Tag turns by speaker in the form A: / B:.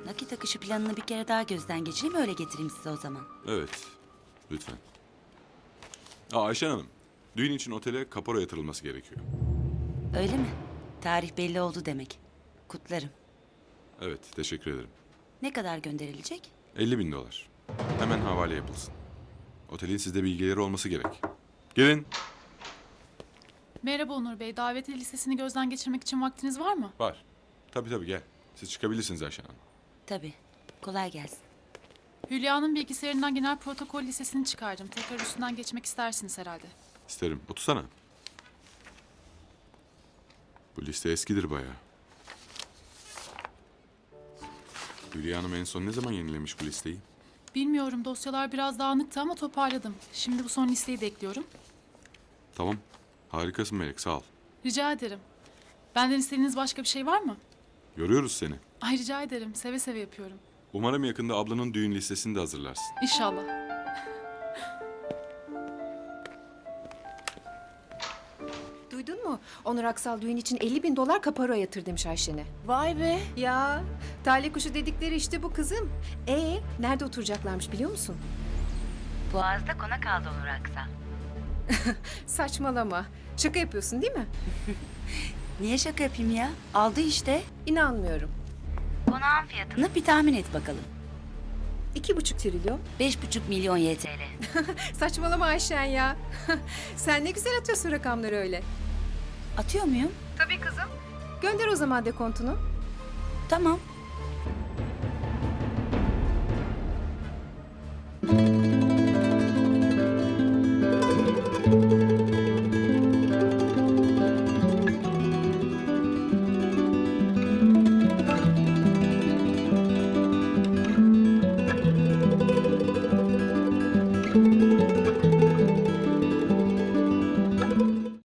A: Nakit akışı planını bir kere daha gözden geçireyim, öyle getireyim size o zaman.
B: Evet. Lütfen. Ayşen Hanım. Düğün için otele kapora yatırılması gerekiyor.
A: Öyle mi? Tarih belli oldu demek. Kutlarım.
B: Evet. Teşekkür ederim.
A: Ne kadar gönderilecek?
B: 50.000 dolar. Hemen havale yapılsın. Otelin sizde bilgileri olması gerek. Gelin.
C: Merhaba Onur Bey. Davetiye listesini gözden geçirmek için vaktiniz var mı?
B: Var. Tabii gel. Siz çıkabilirsiniz Ayşen Hanım.
A: Tabii. Kolay gelsin.
C: Hülya'nın bilgisayarından genel protokol listesini çıkardım. Tekrar üstünden geçmek istersiniz herhalde.
B: İsterim. Otursana. Bu liste eskidir bayağı. Hülya Hanım en son ne zaman yenilemiş bu listeyi?
C: Bilmiyorum, dosyalar biraz dağınıktı ama toparladım. Şimdi bu son listeyi de ekliyorum.
B: Tamam. Harikasın Melek, sağ ol.
C: Rica ederim. Benden istediğiniz başka bir şey var mı?
B: Yoruyoruz seni.
C: Ay rica ederim. Seve seve yapıyorum.
B: Umarım yakında ablanın düğün listesini de hazırlarsın.
C: İnşallah.
D: Duydun mu? Onur Aksal düğün için 50.000 dolar kaparo yatır demiş Ayşen'e.
E: Vay be.
D: Ya talih kuşu dedikleri işte bu kızım. Nerede oturacaklarmış biliyor musun?
A: Boğaz'da konak aldı Onur Aksal.
D: Saçmalama. Şaka yapıyorsun değil mi?
A: Niye şaka yapayım ya? Aldı işte.
D: İnanmıyorum.
A: Konağın fiyatını bir tahmin et bakalım.
D: 2,5 trilyon.
A: 5,5 milyon YTL.
D: Saçmalama Ayşen ya. Sen ne güzel atıyorsun rakamları öyle.
A: Atıyor muyum?
D: Tabii kızım. Gönder o zaman dekontunu.
A: Tamam.